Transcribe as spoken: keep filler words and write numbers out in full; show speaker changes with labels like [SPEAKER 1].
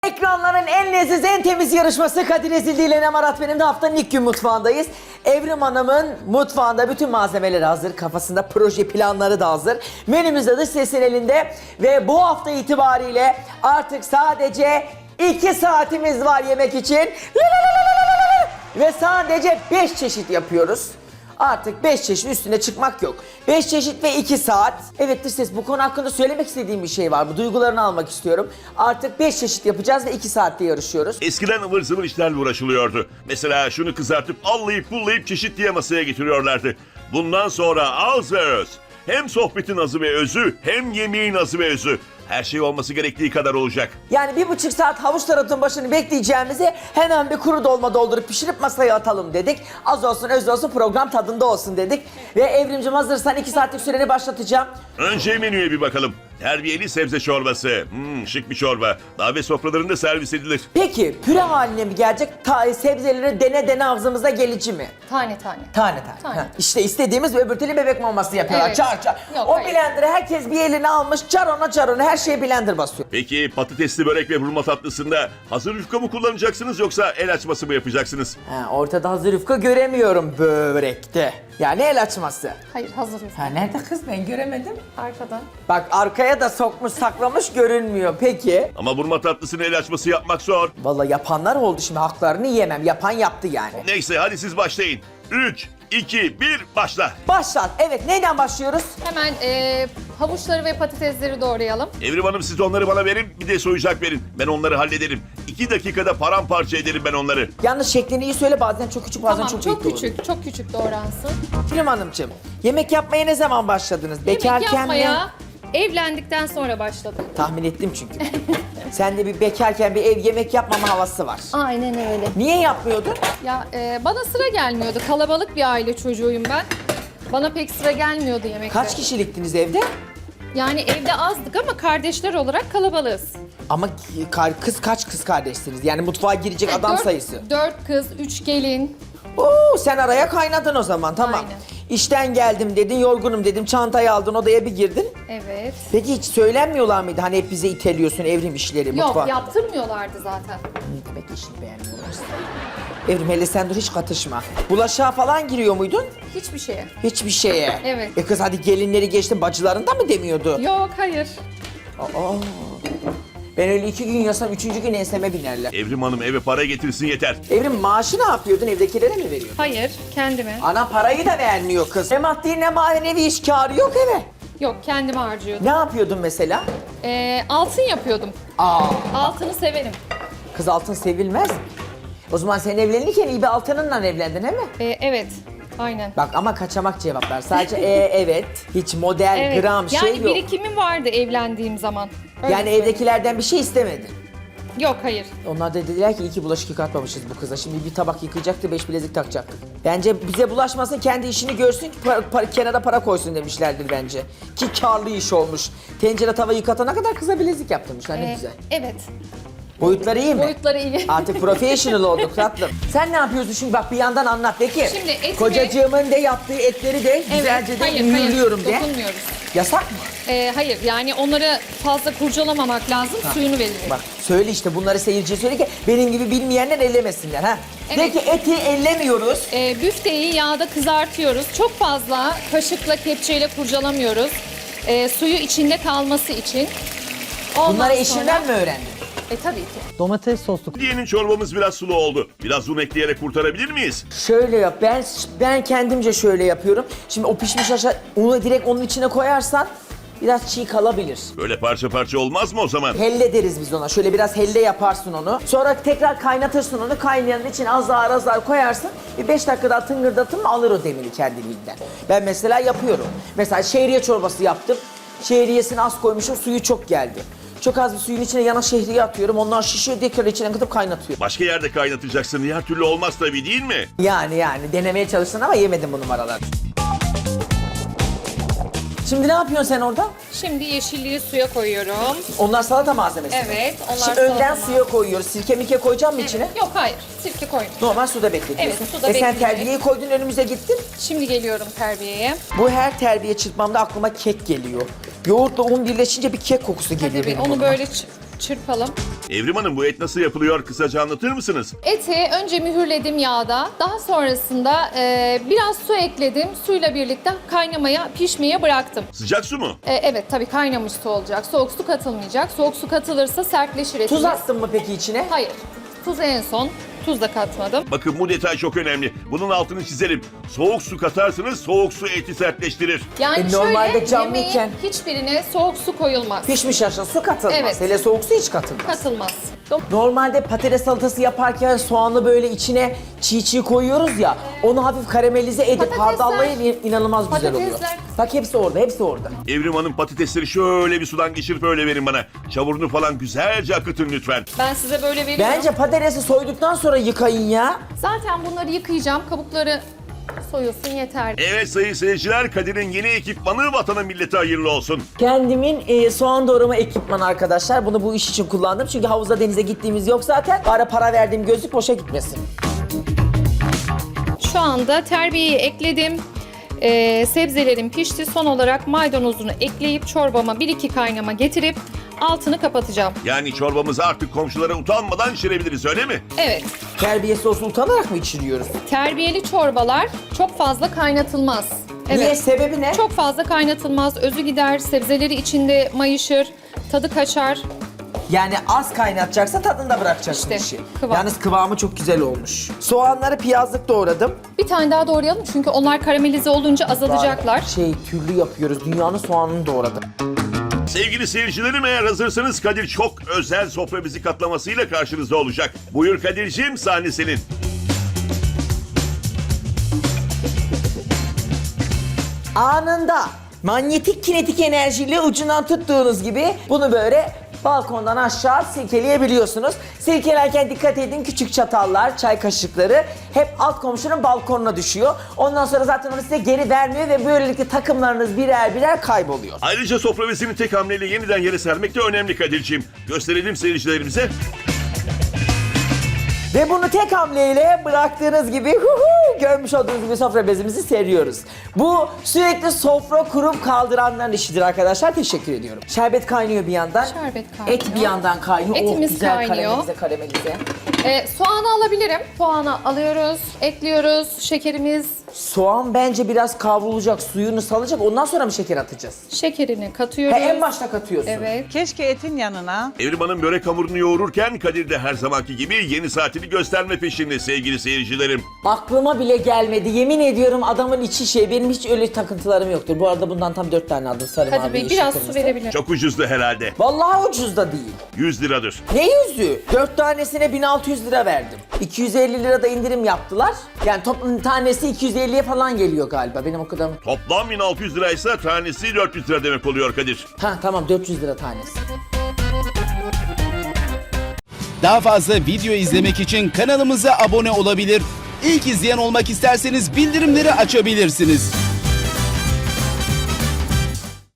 [SPEAKER 1] Ekranların en leziz, en temiz yarışması Kadir Ezildi ile Nem Arat benim de haftanın ilk gün mutfağındayız. Evrim Hanım'ın mutfağında bütün malzemeleri hazır, kafasında proje planları da hazır. Menümüz de dış sesin elinde ve bu hafta itibariyle artık sadece iki saatimiz var yemek için. Ve sadece beş çeşit yapıyoruz. Artık beş çeşit üstüne çıkmak yok. beş çeşit ve iki saat. Evet dış ses, bu konu hakkında söylemek istediğim bir şey var. Bu duygularını almak istiyorum. Artık beş çeşit yapacağız ve iki saatte yarışıyoruz.
[SPEAKER 2] Eskiden ıvır zıvır işlerle uğraşılıyordu. Mesela şunu kızartıp allayıp pullayıp çeşit diye masaya getiriyorlardı. Bundan sonra az ve öz. Hem sohbetin azı ve özü hem yemeğin azı ve özü. Her şey olması gerektiği kadar olacak.
[SPEAKER 1] Yani bir buçuk saat havuç taratın başını bekleyeceğimize hemen bir kuru dolma doldurup pişirip masaya atalım dedik. Az olsun öz olsun program tadında olsun dedik. Ve Evrimcim hazırsan iki saatlik süreni başlatacağım.
[SPEAKER 2] Önce menüye bir bakalım. Terbiyeli sebze çorbası. Hmm, şık bir çorba. Davet sofralarında servis edilir.
[SPEAKER 1] Peki püre haline mi gelecek? Ta sebzeleri dene dene ağzımıza gelici mi?
[SPEAKER 3] Tane tane.
[SPEAKER 1] Tane tane.
[SPEAKER 3] Tane.
[SPEAKER 1] Ha, İşte istediğimiz öbür türlü bebek maması yapıyorlar.
[SPEAKER 3] Evet.
[SPEAKER 1] Çar çar.
[SPEAKER 3] Yok,
[SPEAKER 1] o
[SPEAKER 3] hayır.
[SPEAKER 1] blenderı herkes bir eline almış. Çar ona çar ona her şeye blender basıyor.
[SPEAKER 2] Peki patatesli börek ve hurma tatlısında hazır yufka mı kullanacaksınız yoksa el açması mı yapacaksınız?
[SPEAKER 1] Ha, ortada hazır yufka göremiyorum börekte. Yani el açması.
[SPEAKER 3] Hayır, hazır yufka.
[SPEAKER 1] Ha nerede kız, ben göremedim.
[SPEAKER 3] Arkadan.
[SPEAKER 1] Bak arkaya da sokmuş saklamış görünmüyor. Peki.
[SPEAKER 2] Ama hurma tatlısını el açması yapmak zor.
[SPEAKER 1] Vallahi yapanlar oldu, şimdi haklarını yemem. Yapan yaptı yani.
[SPEAKER 2] Neyse hadi siz başlayın. üç, iki, bir başla.
[SPEAKER 1] Başlat. Evet, neyden başlıyoruz?
[SPEAKER 3] Hemen e, havuçları ve patatesleri doğrayalım.
[SPEAKER 2] Evrim Hanım siz onları bana verin, bir de soyacak verin. Ben onları hallederim. İki dakikada paramparça ederim ben onları.
[SPEAKER 1] Yalnız şeklini iyi söyle, bazen çok küçük bazen
[SPEAKER 3] Tamam,
[SPEAKER 1] çok,
[SPEAKER 3] çok,
[SPEAKER 1] büyük
[SPEAKER 3] küçük, çok küçük doğransın.
[SPEAKER 1] Evrim Hanımcığım, yemek yapmaya ne zaman başladınız? Bekarken
[SPEAKER 3] Yemek yapmaya
[SPEAKER 1] mi?
[SPEAKER 3] evlendikten sonra başladım.
[SPEAKER 1] Tahmin ettim çünkü. Sende bir bekarken bir ev yemek yapmama havası var.
[SPEAKER 3] Aynen öyle.
[SPEAKER 1] Niye yapmıyordun?
[SPEAKER 3] Ya e, bana sıra gelmiyordu. Kalabalık bir aile çocuğuyum ben. Bana pek sıra gelmiyordu yemekler.
[SPEAKER 1] Kaç kişiliktiniz evde?
[SPEAKER 3] Yani evde azdık ama kardeşler olarak kalabalığız.
[SPEAKER 1] Ama kar- kız kaç kız kardeşsiniz? Yani mutfağa girecek adam
[SPEAKER 3] dört,
[SPEAKER 1] sayısı.
[SPEAKER 3] Dört kız, üç gelin.
[SPEAKER 1] Oo, sen araya kaynadın o zaman, tamam.
[SPEAKER 3] Aynen.
[SPEAKER 1] İşten geldim dedin, yorgunum dedim, çantayı aldın, odaya bir girdin.
[SPEAKER 3] Evet.
[SPEAKER 1] Peki hiç söylenmiyorlar mıydı? Hani hep bize iteliyorsun evrim işleri,
[SPEAKER 3] Yok,
[SPEAKER 1] mutfağa.
[SPEAKER 3] yaptırmıyorlardı zaten.
[SPEAKER 1] Ne demek işini beğenmiyorlarsa? Evrim hele sen dur, hiç katışma. Bulaşığa falan giriyor muydun?
[SPEAKER 3] Hiçbir şeye.
[SPEAKER 1] Hiçbir şeye.
[SPEAKER 3] Evet.
[SPEAKER 1] E kız hadi gelinleri geçtin, bacıların da mı demiyordu?
[SPEAKER 3] Yok, hayır.
[SPEAKER 1] Aa. Ben öyle iki gün yasam, üçüncü gün enseme binerler.
[SPEAKER 2] Evrim Hanım eve para getirsin yeter.
[SPEAKER 1] Evrim maaşı ne yapıyordun? Evdekilere mi veriyordun?
[SPEAKER 3] Hayır, kendime.
[SPEAKER 1] Ana parayı da vermiyor kız. Ne maddi ne manevi iş kârı yok eve.
[SPEAKER 3] Yok, kendime harcıyordum.
[SPEAKER 1] Ne yapıyordun mesela?
[SPEAKER 3] Ee, altın yapıyordum.
[SPEAKER 1] Aa,
[SPEAKER 3] Altını severim.
[SPEAKER 1] kız altın sevilmez mi? O zaman sen evlenirken iyi bir altınınla evlendin, değil mi?
[SPEAKER 3] Ee, evet, aynen.
[SPEAKER 1] Bak ama kaçamak cevaplar. Sadece e, evet, hiç model,
[SPEAKER 3] Evet.
[SPEAKER 1] gram
[SPEAKER 3] yani
[SPEAKER 1] şey yok.
[SPEAKER 3] birikimim vardı evlendiğim zaman. Öyle
[SPEAKER 1] Yani
[SPEAKER 3] söyleyeyim.
[SPEAKER 1] evdekilerden bir şey istemedin.
[SPEAKER 3] Yok, hayır.
[SPEAKER 1] Onlar da dediler ki iyi ki bulaşık yıkatmamışız bu kıza. Şimdi bir tabak yıkayacaktı, beş bilezik takacaktı. Bence bize bulaşmasın, kendi işini görsün, para, para, kenara para koysun demişlerdir bence. Ki karlı iş olmuş. Tencere tava yıkatana kadar kıza bilezik yaptırmışlar, ne
[SPEAKER 3] Ee,
[SPEAKER 1] güzel.
[SPEAKER 3] Evet.
[SPEAKER 1] Boyutları iyi mi?
[SPEAKER 3] Boyutları iyi.
[SPEAKER 1] Artık professional olduk tatlım. Sen ne yapıyorsun şimdi, bak bir yandan anlat de ki.
[SPEAKER 3] Şimdi etimi-
[SPEAKER 1] Kocacığımın de yaptığı etleri de güzelce de
[SPEAKER 3] hayır,
[SPEAKER 1] mühürlüyorum
[SPEAKER 3] hayır.
[SPEAKER 1] de.
[SPEAKER 3] Dokunmuyoruz.
[SPEAKER 1] Yasak mı?
[SPEAKER 3] Ee, hayır, yani onları fazla kurcalamamak lazım, suyunu verir.
[SPEAKER 1] Bak söyle işte, bunları seyirciye söyle ki benim gibi bilmeyenler ellemesinler ha.
[SPEAKER 3] Evet.
[SPEAKER 1] De ki eti ellemiyoruz.
[SPEAKER 3] Ee, büfteyi yağda kızartıyoruz. Çok fazla kaşıkla, kepçeyle kurcalamıyoruz. Ee, suyu içinde kalması için. Ondan
[SPEAKER 1] Bunları
[SPEAKER 3] sonra-
[SPEAKER 1] eşinden mi öğrendin?
[SPEAKER 3] E tabii ki.
[SPEAKER 4] Domates soslu
[SPEAKER 2] Diyenin çorbamız biraz sulu oldu. Biraz un ekleyerek kurtarabilir miyiz?
[SPEAKER 1] Şöyle yap, ben ben kendimce şöyle yapıyorum. Şimdi o pişmiş aşağı, unu direkt onun içine koyarsan biraz çiğ kalabilir.
[SPEAKER 2] Böyle parça parça olmaz mı o zaman?
[SPEAKER 1] Helle deriz biz ona. Şöyle biraz helle yaparsın onu. Sonra tekrar kaynatırsın onu. Kaynayanın içine azar azar koyarsın. Bir beş dakikada tıngırdatın mı alır o demiri kendiliğinden. Ben mesela yapıyorum. Mesela şehriye çorbası yaptım. Şehriyesini az koymuşum, suyu çok geldi. Çok az bir suyun içine yana şehriye atıyorum. Onlar şişiyor, tekrar içine katıp kaynatıyorum.
[SPEAKER 2] Başka yerde kaynatacaksın. Diğer türlü olmaz tabii, değil mi?
[SPEAKER 1] Yani yani denemeye çalıştın ama yemedim bu numaraları. Şimdi ne yapıyorsun sen orada?
[SPEAKER 3] Şimdi yeşilliği suya koyuyorum.
[SPEAKER 1] Onlar salata malzemesi. mi?
[SPEAKER 3] Evet, onlar
[SPEAKER 1] Şimdi
[SPEAKER 3] salata
[SPEAKER 1] önden
[SPEAKER 3] malzemesi.
[SPEAKER 1] suya koyuyoruz. Sirke mike koyacağım mı içine?
[SPEAKER 3] Yok, hayır. Sirke koymuyorum.
[SPEAKER 1] Normal suda bekletiyorsun.
[SPEAKER 3] Evet, suda
[SPEAKER 1] E sen
[SPEAKER 3] bekleyecek.
[SPEAKER 1] terbiyeyi koydun, önümüze gittin.
[SPEAKER 3] Şimdi geliyorum terbiyeye.
[SPEAKER 1] Bu her terbiye çırpmamda aklıma kek geliyor. Yoğurtla un birleşince bir kek kokusu geliyor
[SPEAKER 3] Hadi bir
[SPEAKER 1] benim
[SPEAKER 3] onu
[SPEAKER 1] burnuma.
[SPEAKER 3] böyle ç- çırpalım.
[SPEAKER 2] Evrim Hanım, bu et nasıl yapılıyor? Kısaca anlatır mısınız?
[SPEAKER 3] Eti önce mühürledim yağda. Daha sonrasında e, biraz su ekledim. Suyla birlikte kaynamaya, pişmeye bıraktım.
[SPEAKER 2] Sıcak su mu?
[SPEAKER 3] E, evet tabii kaynamış su olacak. Soğuk su katılmayacak. Soğuk su katılırsa sertleşir etimiz.
[SPEAKER 1] Tuz attın mı peki içine?
[SPEAKER 3] Hayır. Tuz en son. Tuz da katmadım.
[SPEAKER 2] Bakın, bu detay çok önemli. Bunun altını çizelim. Soğuk su katarsınız, soğuk su eti sertleştirir.
[SPEAKER 3] Yani
[SPEAKER 1] E, normalde
[SPEAKER 3] şöyle
[SPEAKER 1] canlıyken-
[SPEAKER 3] yemeğin hiçbirine soğuk su koyulmaz.
[SPEAKER 1] Pişmiş aşağı su katılmaz.
[SPEAKER 3] Evet.
[SPEAKER 1] Hele soğuk su hiç katılmaz.
[SPEAKER 3] Katılmaz.
[SPEAKER 1] Normalde patates salatası yaparken soğanı böyle içine çiğ çiğ koyuyoruz ya. Onu hafif karamelize edip
[SPEAKER 3] Patatesler-
[SPEAKER 1] hardallayıp inanılmaz güzel oluyor.
[SPEAKER 3] Patatesler-
[SPEAKER 1] Bak hepsi orada, hepsi orada.
[SPEAKER 2] Evrim Hanım, patatesleri şöyle bir sudan geçirip öyle verin bana. Çamurunu falan güzelce akıtın lütfen.
[SPEAKER 3] Ben size böyle veriyorum.
[SPEAKER 1] Bence patatesi soyduktan sonra yıkayın ya.
[SPEAKER 3] Zaten bunları yıkayacağım. Kabukları soyulsun yeter.
[SPEAKER 2] Evet sayın seyirciler, Kadir'in yeni ekipmanı vatana millete hayırlı olsun.
[SPEAKER 1] Kendimin e, soğan doğrama ekipmanı arkadaşlar. Bunu bu iş için kullandım. Çünkü havuza denize gittiğimiz yok zaten. Ara para verdiğim gözlük boşa gitmesin.
[SPEAKER 3] Şu anda terbiyeyi ekledim. Ee, sebzelerim pişti. Son olarak maydanozunu ekleyip çorbama bir iki kaynama getirip altını kapatacağım.
[SPEAKER 2] Yani çorbamızı artık komşulara utanmadan içirebiliriz, öyle mi?
[SPEAKER 3] Evet.
[SPEAKER 1] Terbiyesi olsun utanarak mı içiriyoruz?
[SPEAKER 3] Terbiyeli çorbalar çok fazla kaynatılmaz. Evet.
[SPEAKER 1] Niye? Sebebi ne?
[SPEAKER 3] Çok fazla kaynatılmaz. Özü gider. Sebzeleri içinde mayışır. Tadı kaçar.
[SPEAKER 1] Yani az kaynatacaksa tadında bırakacaksın
[SPEAKER 3] İşte,
[SPEAKER 1] işi.
[SPEAKER 3] kıvam.
[SPEAKER 1] Yalnız kıvamı çok güzel olmuş. Soğanları piyazlık doğradım.
[SPEAKER 3] Bir tane daha doğrayalım çünkü onlar karamelize olunca azalacaklar.
[SPEAKER 1] Şey türlü yapıyoruz. Dünyanın soğanını doğradım.
[SPEAKER 2] Sevgili seyircilerim, eğer hazırsanız Kadir çok özel sofra bizi katlamasıyla karşınızda olacak. Buyur Kadir'ciğim, sahne senin.
[SPEAKER 1] Anında manyetik kinetik enerjiyle ucundan tuttuğunuz gibi bunu böyle balkondan aşağı silkeleyebiliyorsunuz. Silkelerken dikkat edin, küçük çatallar, çay kaşıkları hep alt komşunun balkonuna düşüyor. Ondan sonra zaten onu size geri vermiyor ve böylelikle takımlarınız birer birer kayboluyor.
[SPEAKER 2] Ayrıca sofra bezini tek hamleyle yeniden yere sermek de önemli Kadir'ciğim. Gösterelim seyircilerimize.
[SPEAKER 1] Ve bunu tek hamleyle bıraktığınız gibi hu hu, görmüş olduğunuz gibi sofra bezimizi seriyoruz. Bu sürekli sofra kurup kaldıranların işidir arkadaşlar. Teşekkür ediyorum. Şerbet kaynıyor bir yandan.
[SPEAKER 3] Şerbet kaynıyor.
[SPEAKER 1] Et bir yandan kaynıyor.
[SPEAKER 3] Etimiz
[SPEAKER 1] oh, güzel
[SPEAKER 3] kaynıyor.
[SPEAKER 1] karamelize karamelize.
[SPEAKER 3] Ee, soğanı alabilirim. Soğanı alıyoruz, ekliyoruz. Şekerimiz,
[SPEAKER 1] Soğan bence biraz kavrulacak, suyunu salacak. Ondan sonra mı şeker atacağız?
[SPEAKER 3] şekerini
[SPEAKER 1] Ha,
[SPEAKER 3] katıyoruz.
[SPEAKER 1] en başta katıyorsun.
[SPEAKER 3] Evet.
[SPEAKER 4] Keşke etin yanına
[SPEAKER 2] Evrim Hanım börek hamurunu yoğururken Kadir de her zamanki gibi yeni saatini gösterme peşinde sevgili seyircilerim.
[SPEAKER 1] Aklıma bile gelmedi. Yemin ediyorum adamın içi şey. Benim hiç öyle takıntılarım yoktur. Bu arada bundan tam dört tane aldım. Sarı
[SPEAKER 3] Kadir
[SPEAKER 1] mavi,
[SPEAKER 3] Bey
[SPEAKER 1] yeşil,
[SPEAKER 3] biraz
[SPEAKER 1] kırmızı.
[SPEAKER 3] su verebilir.
[SPEAKER 2] Çok ucuzdu herhalde.
[SPEAKER 1] Vallahi ucuz da değil.
[SPEAKER 2] yüz liradır.
[SPEAKER 1] Ne yüzü? Dört tanesine bin altı yüz lira verdim. iki yüz elli lira da indirim yaptılar. Yani toplam tanesi iki yüz elliye falan geliyor galiba. Benim o kadar mı?
[SPEAKER 2] Toplam bin altı yüz liraysa tanesi dört yüz lira demek oluyor Kadir.
[SPEAKER 1] Ha tamam dört yüz lira tanesi.
[SPEAKER 5] Daha fazla video izlemek için kanalımıza abone olabilir. İlk izleyen olmak isterseniz bildirimleri açabilirsiniz.